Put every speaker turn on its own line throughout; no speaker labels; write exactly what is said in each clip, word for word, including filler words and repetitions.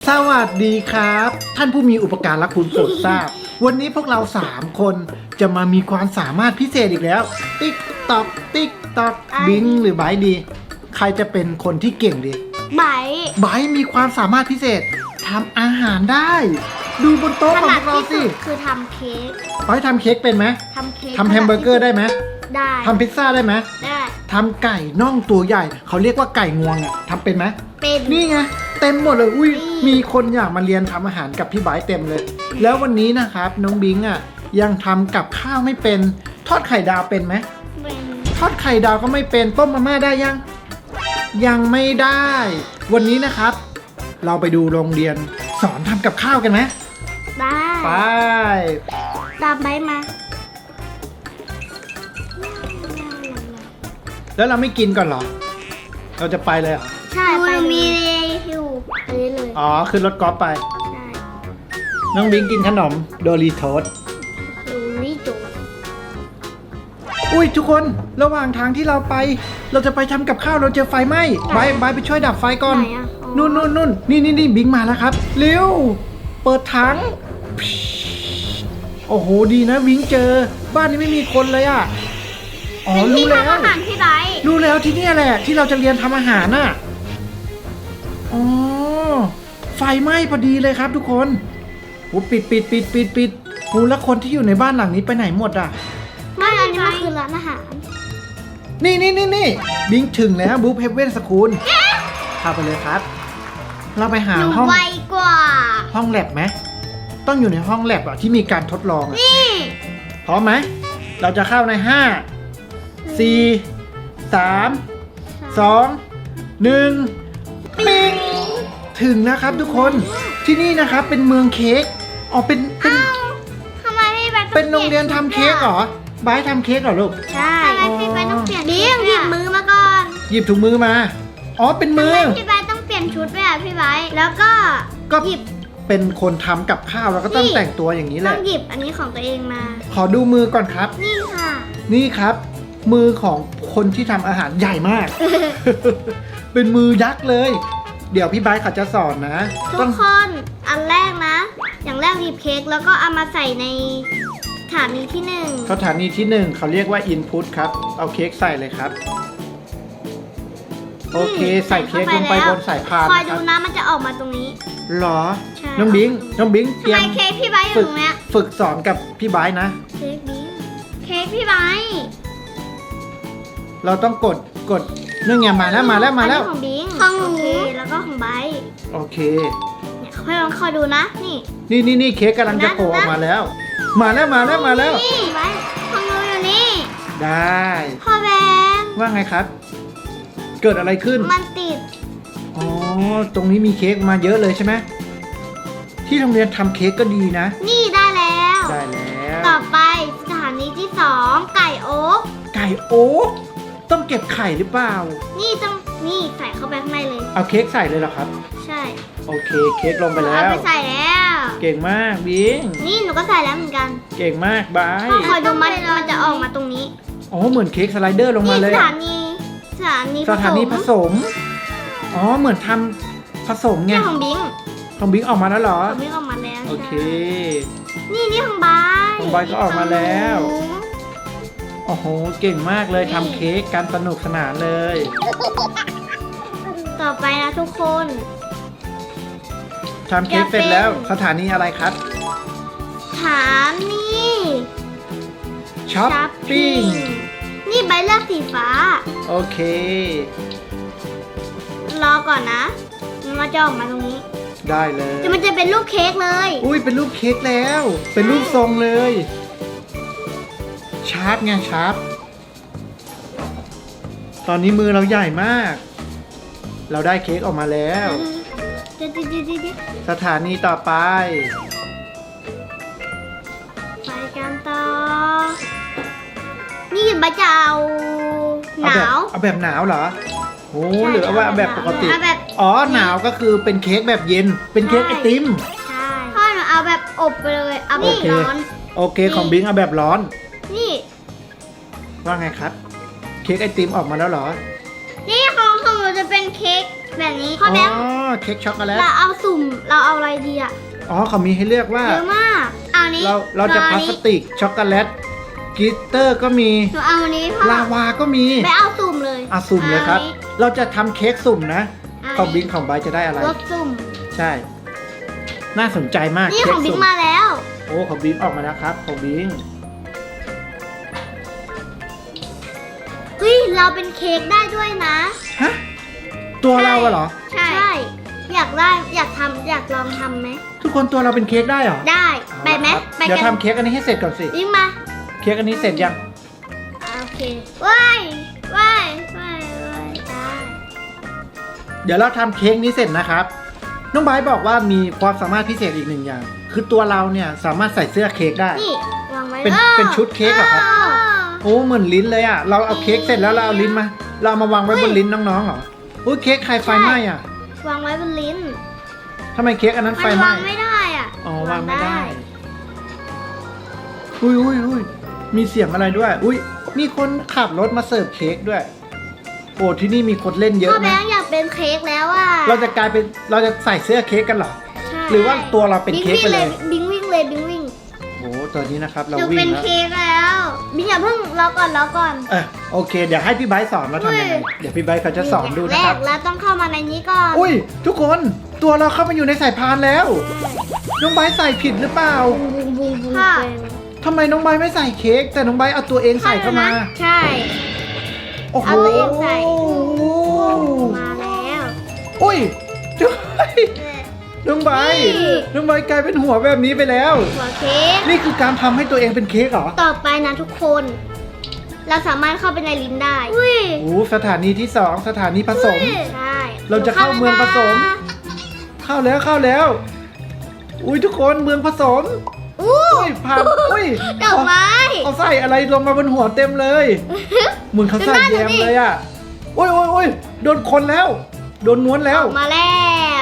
สวัสดีครับท่านผู้มีอุปการะคุณโปรดทราบ วันนี้พวกเราสามคนจะมามีความสามารถพิเศษอีกแล้วติ๊กตอกติ๊กตอกบิงหรือไบดีใครจะเป็นคนที่เก่งดี
ไบ
ไบมีความสามารถพิเศษทำอาหารได้ ดูบนโต๊ะของพวกเราสิ
คือทำเค้ก
ไบทำเค้กเป็นไหม
ทำเค้ก
ทำแฮมเบอร์เกอร์ได้ไหม
ได้
ทำพิซซ่าได้ไหม
ได้
ทำไก่น่องตัวใหญ่เขาเรียกว่าไก่งวงอ่ะทำเป็นไหม
เป็น
นี่ไงเต็มหมดเลยอุ้ย
นี่
มีคนอยากมาเรียนทำอาหารกับพี่ไบร์ทเต็มเลย แล้ววันนี้นะครับน้องบิงอ่ะยังทำกับข้าวไม่เป็นทอดไข่ดาวเป็นไหม
เป็น
ทอดไข่ดาวก็ไม่เป็นต้มมาม่าได้ยัง ยังไม่ได้ วันนี้นะครับ เราไปดูโรงเรียนสอนทำกับข้าวกันไหม
ได้
ไป
ตามไบมา
แล้วเราไม่กินก่อนเหรอ เราจะไปเลยเหรอ
ใช่ไปมีอยู่อันนี้เลย
อ๋อขึ้นรถกอล์ฟไป
ใช่
น้องบิงกินขนมโดรีโทส
ดูนี่จู
อุ้ยทุกคนระหว่างทางที่เราไป เราจะไปทำกับข้าวเราเจอไฟไหม้ไบร์ทไบร์ทไปช่วยดับไฟก่อน
ไหนอ่ะอ๋อ
นู่นนู่นนู่นนี่นี่นี่บิงมาแล้วครับเร็วเปิดถังโอ้โหดีนะบิงเจอ บ้านนี้ไม่มีคนเลยอ่ะอ๋อ
เป็น
รู้
ที่
แล้ว
ทำอาหารที่ไบ
รู้แล้วที่เนี่ยแหละ ที่เราจะเรียนทำอาหารน่ะอ๋อไฟไหม้พอดีเลยครับทุกคนโอ้ปิดปิดปิดปิดปิดโอ้แล้วคนที่อยู่ในบ้านหลังนี้ไปไหนหมดอ่ะ
ไม่อันนี้มันคือร้านอาหาร
นี่นี่นี่นี่บิงถึงแล้วบุ๊คเฮเว่นสคูลพาไปเลยครับ เราไปหา
หนู
ห้อง
ไวกว่า
ห้องแลบไหมต้องอยู่ในห้องแลบอ่ะที่มีการทดลองอะ
นี่
พร้อมไหมเราจะเข้าในห้าสี่สามสองหนึ่งปิงถึงแล้วครับทุกคนที่นี่นะครับเป็นเมืองเค้กอ๋อเป็นเป็น
เอ้าทำไมพี่ไบต้อง
เป็นโรงเรียนทำเค้กเหรอ บายทำเค้กเหรอลูก
ใช่ทำไมพี่ไบต้องเปลี่ยนบีมหยิบมือมาก่อน
หยิบถุงมือมา อ๋อ เป็นมื
ทำ
อ
ไมพี่ไบต้องเปลี่ยนชุดด้วยอ่ะพี่ไบแล้วก็
ก็
หยิบ
เป็นคนทำกับข้าวแล้วก็ต้อง
นี่
แต่งตัวอย่างนี้แห
ต้อ
ละ
งหยิบอันนี้ของตัวเองมา
ขอดูมือก่อนครับ
นี่ค่ะ
นี่ครับ มือของคนที่ทำอาหารใหญ่มาก เป็นมือยักษ์เลย เดี๋ยวพี่ไบร์ทเขาจะสอนนะ
ทุ
ต้
ก
อง
คนอันแรกนะ อย่างแรกหยิบเค้กแล้วก็เอามาใส่ในถาดนี้ที่หนึ่ง
สถานีที่หนึ่งเขาเรียกว่า input ครับ เอาเค้กใส่เลยครับ โอเค ใส่เค้กลงไปบนสายพาน
คอย
นะค
ดู
รับ
นะมันจะออกมาตรงนี้
หรอ
ใช่
น้องบิง น้องบิงเต
ทำ
รีย
ไม
ม
เค้กพี่ไบอยู่
ฝึ
ต
ก
รงเนี้ย
ฝึกสอนกับพี่ไบร์ทนะ
เค้กนี้เค้กพี่ไบ
เราต้องกด กดนี่ไงมาแล้ว มาแล้ว มาแล้ว
อันนี้ของบิงของหนูแล้วก็ของไบ
โอเค
เนี่ยค่อยลองคอยดูนะนี่
นี่นี่นี่เค้กกำลังจะโผล่ออกมาแล้ว มาแล้ว มาแล้ว มาแล้ว
นี่ไบของหนูอยู่นี่
ได้
พ่อแบง
ว่าไงครับ เกิดอะไรขึ้น
มันติด
อ๋อ ตรงนี้มีเค้กมาเยอะเลยใช่ไหม ที่โรงเรียนทำเค้กก็ดีนะ
นี่ได้แล้ว
ได้แล้ว
ต่อไปสถานีที่สองไก่โอ๊ก
ไก่โอ๊กต้องเก็บไข่หรือเปล่า
นี่ต้องนี่ใส่เข้าไปข้างในเลย
เอาเค้กใส่เลยเหรอครับ
ใช่
โอเค เค้กลงไปแล้
เอา
ว
ไปใส่แล้ว
เก่งมากบิง
นี่หนูก็ใส่แล้วเหมือนกัน
เก่งมากบาย
พ่อคอยดูมันมันจะออกมาตรงนี้
อ๋อ เหมือนเค้กสไลเดอร์ลงมา
นี่
เล
ส
ย
ถา
อะ
นีสถานี
สถานีผสม อ๋อ เหมือนทำผสมไง
นี่ของบิง
ของบิงออกมาแล้วเหรอ
ของบิงออกมาแล้ว
โอเค
ใช่นี่นี่ของบาย
ของบายก็ออกมาแล้ว
ของหนู
โอ้โห เก่งมากเลยทำเค้กกันสนุกสนานเลย
ต่อไปนะทุกคน
ทำเค้กเสร็จแล้วสถานีอะไรครับ
ถานี
ช้อปปิ้ง
นี่ใบเลือกสีฟ้า
โอเค
รอก่อนนะ มันจะออกมาตรงนี้
ได้เลย
จะมันจะเป็นรูปเค้กเลย
อุ้ยเป็นรูปเค้กแล้ว เป็นรูปทรงเลย ชาร์ปไงชาร์ปตอนนี้มือเราใหญ่มาก เราได้เค้กออกมาแล้ว
เดี๋ยวเดี๋ยวเดี๋ยวเดี๋ยว
สถานีต่อไป
ไปกันต่อ นี่ใบจะเอาห
เอาแบ
นา
บ
ว
เอาแบบหนาวเหรอโอ้
ใช่
หรือเอาว่าเอาแบบปกติ
เอาแบบ
อ๋อหนาวก็คือเป็นเค้กแบบเย็น เป็นเค้กไอติม
ใช่พ่อหนูเอาแบบอบไปเลย เอาแบ
โอบ เค
ร้อน
โอเคของบิงเอาแบบร้อน
นี่
ว่าไงครับ เค้กไอติมออกมาแล้วเหรอ
นี่ของของหนูจะเป็นเค้กแบบนี้พ่อ
อ๋
แบงค์
อเค้กช็อกโกแลต
เราเอาสุ่มเราเอาอะไรดีอะ
อ๋อเขามีให้เลือกว่า
เยอะมากเอานี้
เราเราจะพลาสติกช็อกโกแลตกลิตเตอร์ก็มี
หนูเอาอันนี้พ่อ
ลาวาก็มี
ไปเอาสุ่มเลย
อ่ะสุ่มเลยครับ เราจะทำเค้กสุ่มนะ
เอา
ของ
อัน
บิ๊
นี้
กของไบร์ทจะได้อะไร
รสสุ่ม
ใช่ น่าสนใจมาก
นี่
เค้
ข
ก
องบิ๊ก
สุ่ม
มาแล้ว
โอ้ของบิ๊กออกมาแล้วครับของบิ๊ก
เฮ้ยเราเป็นเค้กได้ด้วยนะ
ฮะตัวเราอะเหรอ
ใช่ อยากได้อยากทำอยากลองทำไหม
ทุกคนตัวเราเป็นเค้กได้เหรอ
ได้ไปไหม
เอาละครับ
ไป
เดี๋ยว
กัน
ทำเค้กอันนี้ให้เสร็จก่อนสิ
วิ่งมา
เค้กอันนี้เสร็จยัง
อ่าโอเคว้ายว้ายว้ายว้ายได้
เดี๋ยวเราทำเค้กนี้เสร็จนะครับ น้องไบร์ทบอกว่ามีความสามารถพิเศษอีกหนึ่งอย่าง คือตัวเราเนี่ยสามารถใส่เสื้อเค้กได้
นี่วางไว้
เป็น
อ้อ
เป็นชุดเค้กเหรอครับ
อ้อ
โอ้เหมือนลิ้นเลยอ่ะ เราเอาเค้กเสร็จแล้วเราเอาลิ้นมา เราเอามาวางไว้บนลิ้นน้องๆเหรออุ้ยเค้กใครไฟไหม้อ่ะ
วางไว้บนลิ้น
ทำไมเค้กอันนั้นไฟ
มัน
ไหม้
วางไม่ได้อ่ะ
อ๋อวางไม่ได้ อุ้ยอุ้ยอุ้ยมีเสียงอะไรด้วย อุ้ยมีคนขับรถมาเสิร์ฟเค้กด้วย โอ้ที่นี่มีคนเล่นเย
พ่
อะ
อแบ
นะ
งค์อยากเป็นเค้กแล้วอ่ะ
เราจะกลายเป็นเราจะใส่เสื้อเค้กกันเหรอ
ใช่
หรือว่าตัวเราเป็นเค้กไปเลย
บิงวิ่งเลยบิงวิ่ง
โอ้ตอนนี้นะครับ
ห
เรา
นู
วิ่
เป็
ง
น
แล้ว
เค้กแล้วบิงอย่าเพิ่งรอก่อนรอก่อน
เออโอเค เดี๋ยวให้พี่ไบร์ทสอนว่าทำยังไง
อุ้ย
เดี๋ยวพี่ไบร์ทเขาจะสอนดู
แร
นะครับ
กแล้วต้องเข้ามาในนี้ก่อน
อุ้ยทุกคนตัวเราเข้ามาอยู่ในสายพานแล้ว น้องไบร์ทใส่ผิดหรือเปล่า
ค่ะ
ทำไมน้องไบร์ทไม่ใส่เค้กแต่น้องไบร์ทเอาตัวเองใส่เข้ามา
ใช่
โอ้โห
เอาตัวเองใส่ มาแล้ว
อุ้ยจุ๊ยน้องไบร์ท
นี่
น้องไบร์ทกลายเป็นหัวแบบนี้ไปแล้ว
หัวเค้ก
นี่คือการทำให้ตัวเองเป็นเค้กเหรอ
ต่อไปนะทุกคน เราสามารถเข้าไปในลิ้นได้ อุ้ย
โอ้สถานีที่สองสถานีผสม
ใช่
เราจะเข้าเมืองผสม เข้าแล้วเข้าแล้ว อุ้ยทุกคนเมืองผสม
อู้
อุ้ยผ่านอุ้ย
ดอกไม้
เอาใส่อะไรลงมาบนหัวเต็มเลยเหมือนเขาใส่แยมเลยอ่ะอุ้ยอุ้ยอุ้ยโดนคนแล้ว โดนม้วนแล้ว
ออกมาแล้ว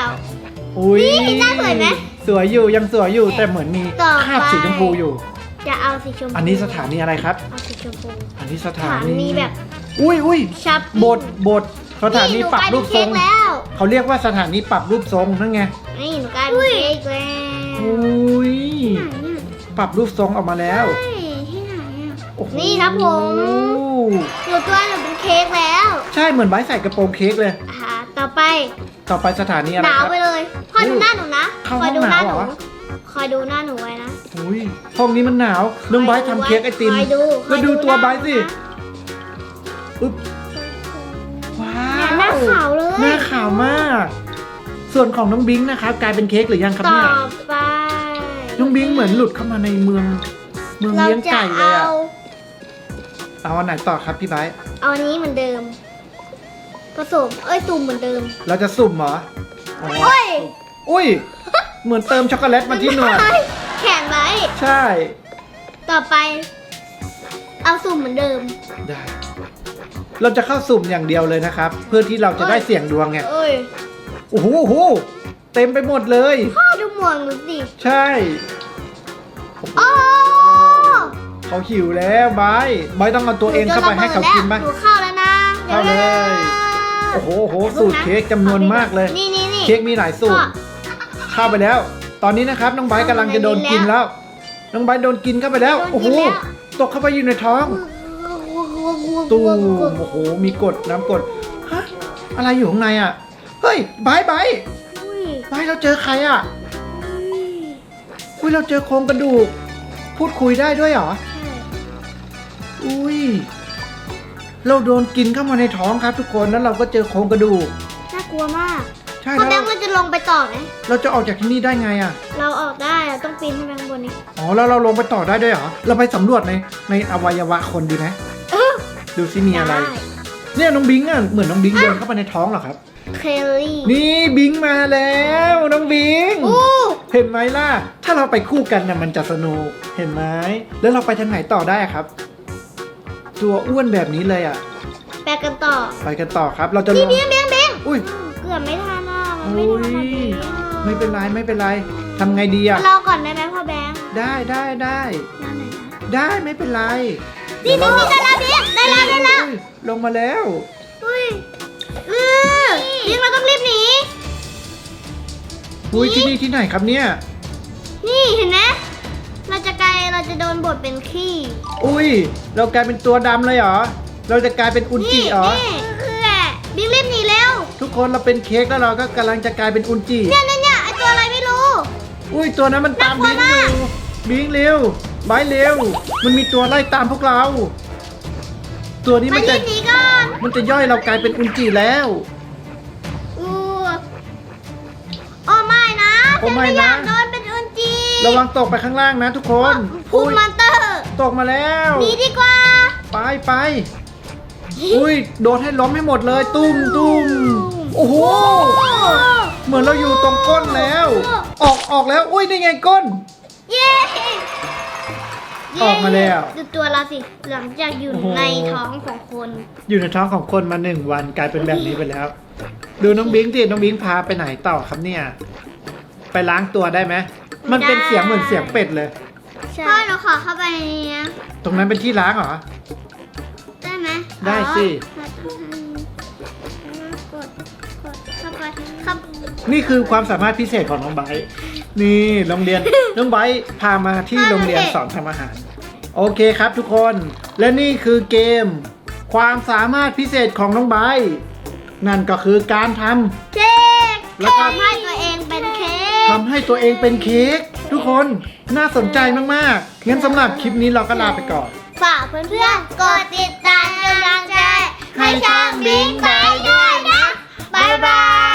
อุ้ย
นี่หน้าสวยไหม
สวยอยู่ยังสวยอยู่แต่เหมือนมี
ต่อไป
คราบสีชมพูอยู่
จะเอาสีชมพู
อันนี้สถานีอะไรครับ
เอาสีชมพู
อันนี้สถา
สถานี
นี
แบบ
อุ้ยอุ้ย
ชับ
บทบทสถานีปรับรูปทรง
นี่หนูกลายเป็นเค้กแล้ว
เขาเรียกว่าสถานีปรับรูปทรงนั่นไง
นี่หนูกลายเป็นเค้กแล้ว
อุ้ย
ที่ไหนเนี่ย
ปรับรูปทรงออกมาแล้ว
เฮ้ยที่ไหนอ่ะ
โอ้โห
นี่ครับผม หนูตัวหนูเป็นเค้กแล้ว
ใช่เหมือนใบใส่กระโปรงเค้กเลย
อ่าต่อไป
ต่อไปสถานีอะไร
หนาว
ครับ
ไปเลยคอยดูหน้าหนูนะ
เข้า
คอยดูหน้าหนู
ห้องหนาวเหรอ
คอยดูหน้าหนูไว้นะ
อุ้ยห้องนี้มันหนาวน้องไบร์ททำเค้กไอติม
คอยดูค
แล้
อ
วย ดูตัวไบร์ทสิ
หน้า
อุ๊บว้า
หนูนะหน้าว ขาวเลย
หน้าขาวมาก ส่วนของน้องบิงนะครับกลายเป็นเค้กหรือยังครับ
ต่อ
เนี่ย
ไป
น้องบิงเหมือนหลุดเข้ามาในเมืองเมือง
เรา
เลี้ยง
จะ
ไก่เลย
เอา
อะเอาอันไหนต่อครับพี่ไบร์ท
เอาอันนี้เหมือนเดิม ผสม เอ้ยตุ่มเหมือนเดิม
เราจะสุ่มเหรออ๋อ
โอ้ย
อุ้ยเหมือนเติมช็อกโกแลตมาที่หนวด
แขนไว้
ใช่
ต่อไป เอาสุ่มเหมือนเดิม
ได้ เราจะเข้าสุ่มอย่างเดียวเลยนะครับ เพื่อที่เราจะได้เสี่ยงดวงไง
เอ้ย
โอ้โหโอ้โหเต็มไปหมดเลย
พ่อดูหมวกหนูสิ
ใช่โอ้โห
โอ้
เขาหิวแล้วบายบายต้องเอาตัวเองเข้าไปให้เขากินไหม
หนูเข้าแล้วนะ
เข้าเลย โอ้โหโอ้โหสูตรเค้กจำนวนมากเลย
นี่นี่นี่
เค้กมีหลายสูตร เข้าไปแล้ว ตอนนี้นะครับน้องไบร์ทกำลังจะโดนกินแล้ว น้องไบร์ทโดนกินเข้าไปแล้ว โอ้โห ตกเข้าไปอยู่ในท้อง ตูมโอ้โห มีกรดน้ำกรดฮะ อะไรอยู่ข้างในอ่ะ เฮ้ยไบร์ทไบร์ท
อุ้ย
ไบร์ทเราเจอใครอ่ะ อุ้ยเราเจอโครงกระดูก พูดคุยได้ด้วยเหรอ
ใช่
อุ้ย เราโดนกินเข้ามาในท้องครับ ทุกคน แล้วเราก็เจอโครงกระดูก
น่ากลัวมาก
ใช่
พ่อ
แล้ว
แบงค์มันจะลงไปต่อไหม
เราจะออกจากที่นี่ได้ไงอ่ะ
เราออกได้เราต้องปีนขึ้นไปข้างบนนี้
อ๋อแล้วเราลงไปต่อได้ด้วยเหรอ เราไปสำรวจในในอวัยวะคนดีไหม
เออ
ดูซิมีอะไร
ด้
เนี่ยน้องบิงอ่ะเหมือนน้องบิงเดินเข้าไปในท้องเหรอครับ
เคลลี่
นี่บิงมาแล้วน้องบิง
อู้
เห็นไหมล่ะ ถ้าเราไปคู่กันน่ะมันจะสนุก เห็นไหม แล้วเราไปทางไหนต่อได้อะครับ ตัวอ้วนแบบนี้เลยอ่ะ
แปลกันต่อ
ไปกันต่อครับ เราจะล
พี่
ง
เบี้ยงเบี้ยงเบี้ยง
อุ้ย
เกือบไม่ทันอ่ะมันไม่
อุ้
ทัน
ย
พอดีอ่ะ
ไม่เป็นไรไม่เป็นไรทำไงดีอ่ะ
รอก่อนได้ไหมพ่อแบงค์
ได้ได้ได้
นั่นไหนนะ
ได้ไม่เป็นไร
นี่นี่นี่ได้แล้วพี่ได้แล้วได้แล้ว
อุ้ยลงมาแล้ว
อุ้ยอือบิงเราต้องรีบหนี
อุ้ยที่นี่ที่ไหนครับเนี่ย
นี่เห็นไหมเราจะกลายเราจะโดนบดเป็นขี้
อุ้ยเรากลายเป็นตัวดำเลยเหรอเราจะกลายเป็นอุนจิ
นี่
เหรอ
นี่คือแหละบิงรีบหนีเร็ว
ทุกคนเราเป็นเค้กแล้วเราก็กำลังจะกลายเป็นอุนจิ
เนี่ยเนี่ยเนี่ยไอตัวอะไรไม่รู้
อุ้ยตัวนั้นมันตาม
น่า
บิง
กลัว
อ
มาก
ยู่บิงเร็วบายเร็ว มันมีตัวไล่ตามพวกเรา ตัวนี้
มา
มัน
รี
จะ
บหนีก่อน
มันจะย่อยเรากลายเป็นอุนจิแล้ว
อู้โอ้ไม่นะ
โอ้ไม่
ฉัอยา
นะ
กโดนเป็นอุนจี
ระวังตกไปข้างล่างนะทุกคน
พุ่ง
อุ้ย
มอนเตอร์
ตกมาแล้ว
หนีดีกว่า
ไปไปอุ้ยโดนให้ล้มให้หมดเลย ตุ้มตุ้มโอ้โห เหมือนเราอยู่ตรงก้นแล้ว ออกออกแล้ว อุ้ยนี่ไงก้น
เย้
ออกมาแล้ว
ดูตัวเราสิหลังจากอยู่
โอ้โห
ในท้องของคน
อยู่ในท้องของคนมาหนึ่งวันกลายเป็นแบบนี้ไปแล้ว ดูน้องบิงสิน้องบิงพาไปไหนต่อครับเนี่ย ไปล้างตัวได้ไหมมันเป็นเสียงเหมือนเสียงเป็ดเลย
พ่อหนูขอเข้าไปในนี้นะ
ตรงนั้นเป็นที่ล้างเหรอ
ได้ไหม
ได้สิ
อ๋อกดกดเข้าไปครับ
นี่คือความสามารถพิเศษของน้องไบร์ทนี่โรงเรียน น้องไบร์ทพามาที่โรงเรียนสอนทำอาหาร โอเคครับทุกคน และนี่คือเกม ความสามารถพิเศษของน้องไบร์ทนั่นก็คือการท
เค้ก
แล้วก็
ทำให้ตัวเองเป็นเค้
ำ
ก
ทำให้ตัวเองเป็นเค้กทุกคนน่าสนใจมากๆงั้นสำหรับคลิปนี้เราก็ลาไปก่อน
ฝากเพื่อนๆ กดติดตามกำลังใจให้ช่างบิงไปด้วยนะ บ๊ายบาย